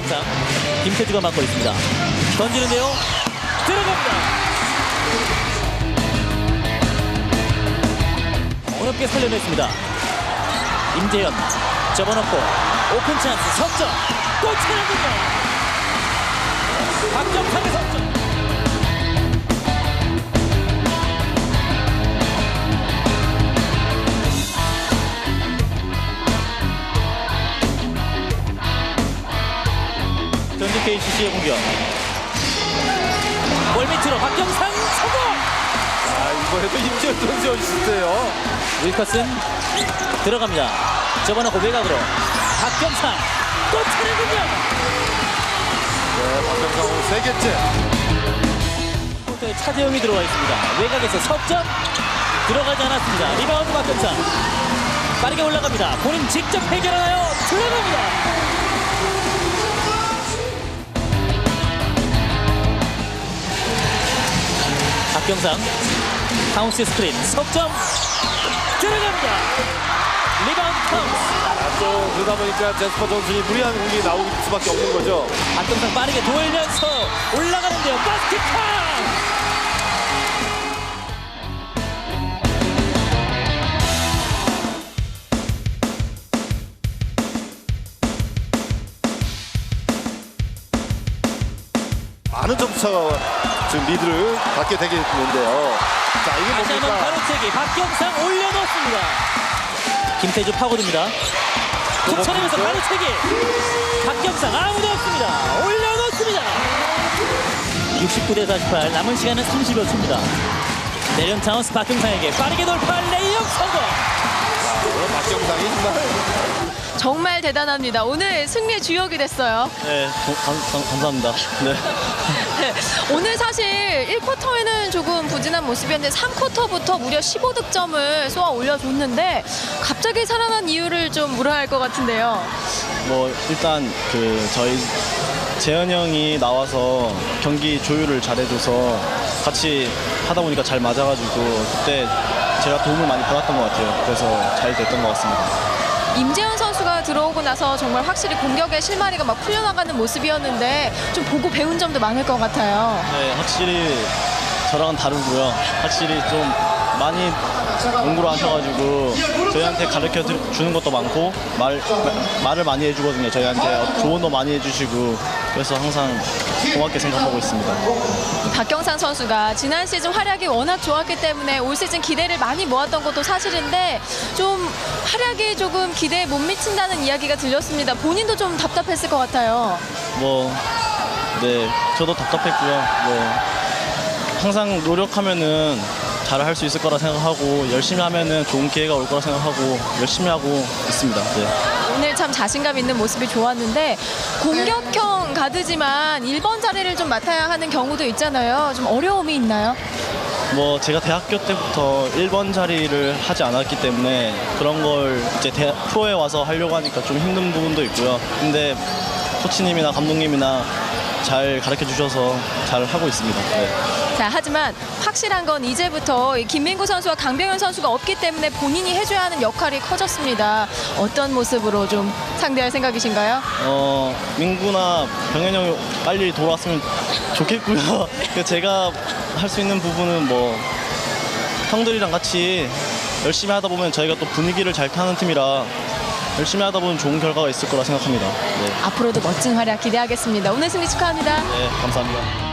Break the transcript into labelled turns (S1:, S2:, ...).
S1: 박경상, 김태주가 맡고 있습니다. 던지는데요. 들어갑니다. 어렵게 살려냈습니다. 임재현 접어놓고 오픈 찬스 석점 또 차례입니다. 박경상의 석점. 전주 KCC의 공격. 골 밑으로 박경상 성공.
S2: 이번에도 임지현 선수 어시스트예요.
S1: 윌커슨 들어갑니다. 접어놓고 외곽으로 박경상 또 차례군요.
S2: 네, 박경상 오늘 3개째.
S1: 코트에 차재영이 들어와 있습니다. 외곽에서 석점 들어가지 않았습니다. 리바운드 박경상 빠르게 올라갑니다. 본인 직접 해결하나요? 들어갑니다. 박경상 카운스 스크린 석점 들어갑니다. 리바운드 카운스.
S2: 또 그러다 보니까 제스퍼 존슨이 무리한 공격이 나올 수밖에 없는 거죠.
S1: 박경상 빠르게 돌면서 올라가는데요. 바스켓 카운트.
S2: 많은 점수차가 지금 리드를 받게 되겠는데요. 자, 이게
S1: 다시 한번
S2: 뭡니까?
S1: 가로채기 박경상 올려놓습니다. 김태주 파고듭니다. 툭쳐내면서 가로채기 박경상 아무도 없습니다. 올려놓습니다. 69대 48 남은 시간은 30여 초입니다. 내련 차운스 박경상에게 빠르게 돌파 레이업 성공.
S2: 오늘 박경상이
S3: 정말 대단합니다. 오늘 승리의 주역이 됐어요.
S1: 네, 감사합니다. 네.
S3: 네, 오늘 사실 1쿼터에는 조금 부진한 모습이었는데 3쿼터부터 무려 15득점을 쏘아 올려줬는데 갑자기 살아난 이유를 좀 물어야 할 것 같은데요.
S4: 뭐 일단 저희 재현 형이 나와서 경기 조율을 잘해줘서 같이 하다 보니까 잘 맞아가지고 그때 제가 도움을 많이 받았던 것 같아요. 그래서 잘 됐던 것 같습니다.
S3: 임재현 선수가 들어오고 나서 정말 확실히 공격의 실마리가 막 풀려나가는 모습이었는데 좀 보고 배운 점도 많을 것 같아요.
S4: 네, 확실히 저랑은 다르고요. 확실히 좀 많이 농구를 하셔가지고 저희한테 가르쳐 주는 것도 많고 말을 많이 해주거든요. 저희한테 조언도 많이 해주시고 그래서 항상 고맙게 생각하고 있습니다.
S3: 박경상 선수가 지난 시즌 활약이 워낙 좋았기 때문에 올 시즌 기대를 많이 모았던 것도 사실인데 좀 활약이 조금 기대에 못 미친다는 이야기가 들렸습니다. 본인도 좀 답답했을 것 같아요.
S4: 네, 저도 답답했고요. 항상 노력하면은 잘 할 수 있을 거라 생각하고 열심히 하면은 좋은 기회가 올 거라 생각하고 열심히 하고 있습니다. 네.
S3: 오늘 참 자신감 있는 모습이 좋았는데 공격형 가드지만 1번 자리를 좀 맡아야 하는 경우도 있잖아요. 좀 어려움이 있나요?
S4: 제가 대학교 때부터 1번 자리를 하지 않았기 때문에 그런 걸 이제 프로에 와서 하려고 하니까 좀 힘든 부분도 있고요. 근데 코치님이나 감독님이나 잘 가르쳐 주셔서 잘 하고 있습니다. 네.
S3: 자, 하지만 확실한 건 이제부터 김민구 선수와 강병현 선수가 없기 때문에 본인이 해줘야 하는 역할이 커졌습니다. 어떤 모습으로 좀 상대할 생각이신가요?
S4: 민구나 병현 형이 빨리 돌아왔으면 좋겠고요. 제가 할 수 있는 부분은 형들이랑 같이 열심히 하다 보면 저희가 또 분위기를 잘 타는 팀이라 열심히 하다 보면 좋은 결과가 있을 거라 생각합니다. 네.
S3: 앞으로도 멋진 활약 기대하겠습니다. 오늘 승리 축하합니다.
S4: 네, 감사합니다.